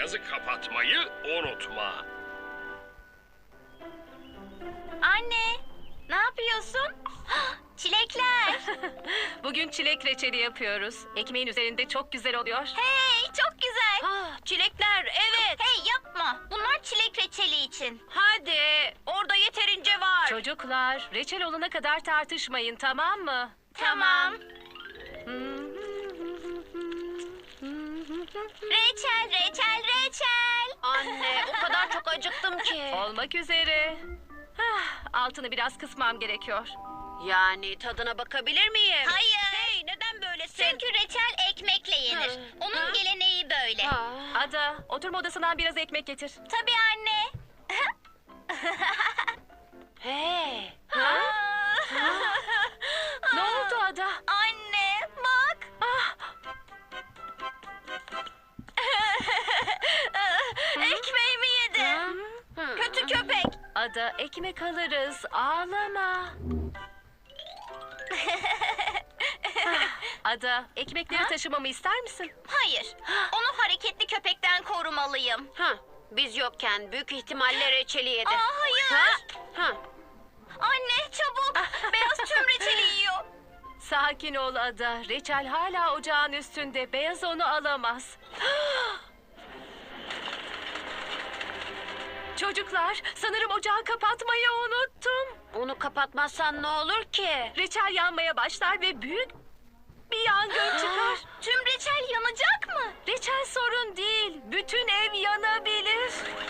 beyazı kapatmayı unutma. Anne, ne yapıyorsun? Çilekler. Bugün çilek reçeli yapıyoruz. Ekmeğin üzerinde çok güzel oluyor. Hey, çok güzel. Çilekler, evet. Hey, yapma. Bunlar çilek reçeli için. Hadi, orada yeterince var. Çocuklar, reçel olana kadar tartışmayın, tamam mı? Tamam. Reçel, reçel, reçel. Anne, o kadar çok acıktım ki. Olmak üzere. Altını biraz kısmam gerekiyor. Yani tadına bakabilir miyim? Hayır. Hey, neden böylesin? Çünkü reçel ekmekle yenir. Onun geleneği böyle. Ada, oturma odasından biraz ekmek getir. Tabii anne. Hey. Ne oldu Ada? Anne, bak. Ekmeğimi yedi. Kötü köpek. Ada, ekmek alırız. Ağlama. Ada, ekmekleri taşımamı ister misin? Hayır. Onu hareketli köpekten korumalıyım. Biz yokken büyük ihtimalle reçeli yedi. Hayır. Ha. Anne, çabuk. Beyaz tüm reçeli yiyor. Sakin ol Ada. Reçel hala ocağın üstünde. Beyaz onu alamaz. Çocuklar, sanırım ocağı kapatmayı unuttum. Onu kapatmazsan ne olur ki? Reçel yanmaya başlar ve büyük bir yangın çıkar. Tüm reçel yanacak mı? Reçel sorun değil. Bütün ev yanabilir.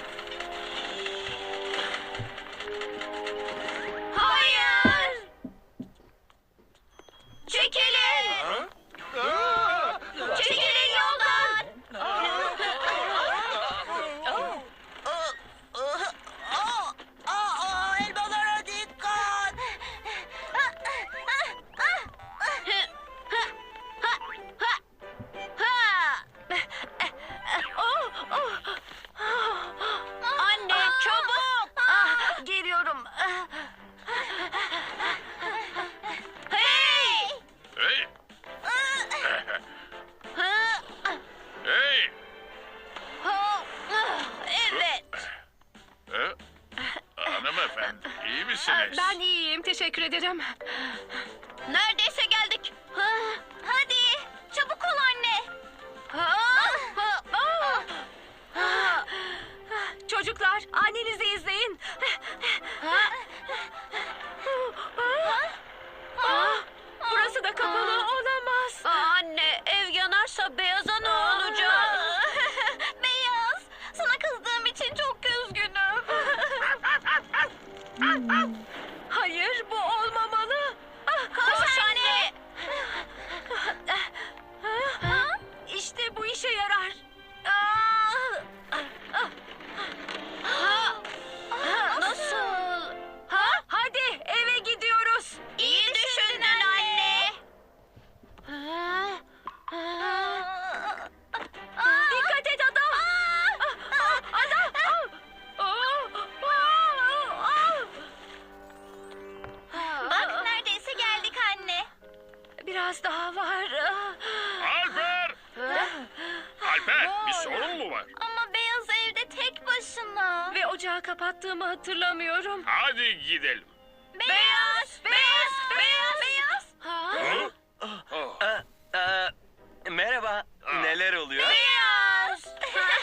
Hayır. Çekilin. Çekilin yoldan. Elmalara dikkat. Anne, çabuk. Geliyorum. Hey. Hey! Hey! Evet. Hanımefendi, iyi misiniz? Ben iyiyim, teşekkür ederim. Neredeyse geldik. Hadi. Çabuk ol anne. Çocuklar, annenizi izleyin. Burası da kapalı olamaz. Anne, ev yanarsa beyaza ne olacak? Beyaz. Sana kızdığım için çok üzgünüm. Hayır, bu olmamalı. Koş anne. İşte bu işe yarar. Nasıl? Hadi eve gidiyoruz. İyi düşündün anne. Dikkat et Ada. Ada. Bak neredeyse geldik anne. Biraz daha var. Alper! Alper, bir sorun mu var? Ama Beyaz evde tek başına. Ve ocağı kapattığımı hatırlamıyorum. Hadi gidelim. Beyaz, beyaz, beyaz, beyaz. Hı? Oh. Merhaba. Neler oluyor? Beyaz.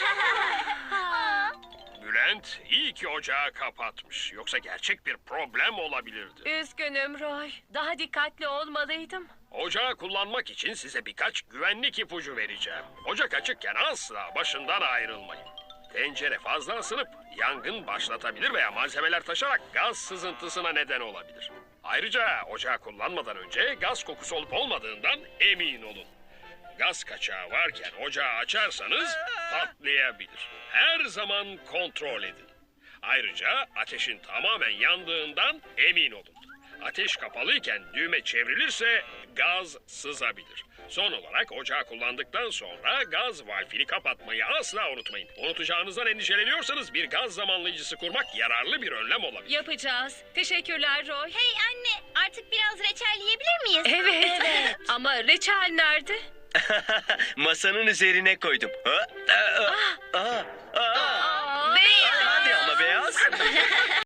Bülent, iyi ki ocağı kapatmış. Yoksa gerçek bir problem olabilirdi. Üzgünüm Roy. Daha dikkatli olmalıydım. Ocağı kullanmak için size birkaç güvenlik ipucu vereceğim. Ocak açıkken asla başından ayrılmayın. Tencere fazla ısınıp yangın başlatabilir veya malzemeler taşarak gaz sızıntısına neden olabilir. Ayrıca ocağı kullanmadan önce gaz kokusu olup olmadığından emin olun. Gaz kaçağı varken ocağı açarsanız patlayabilir. Her zaman kontrol edin. Ayrıca ateşin tamamen yandığından emin olun. Ateş kapalıyken düğme çevrilirse gaz sızabilir. Son olarak ocağı kullandıktan sonra gaz valfini kapatmayı asla unutmayın. Unutacağınızdan endişeleniyorsanız bir gaz zamanlayıcısı kurmak yararlı bir önlem olabilir. Yapacağız. Teşekkürler Roy. Hey anne, artık biraz reçel yiyebilir miyiz? Evet. Ama reçel nerede? Masanın üzerine koydum.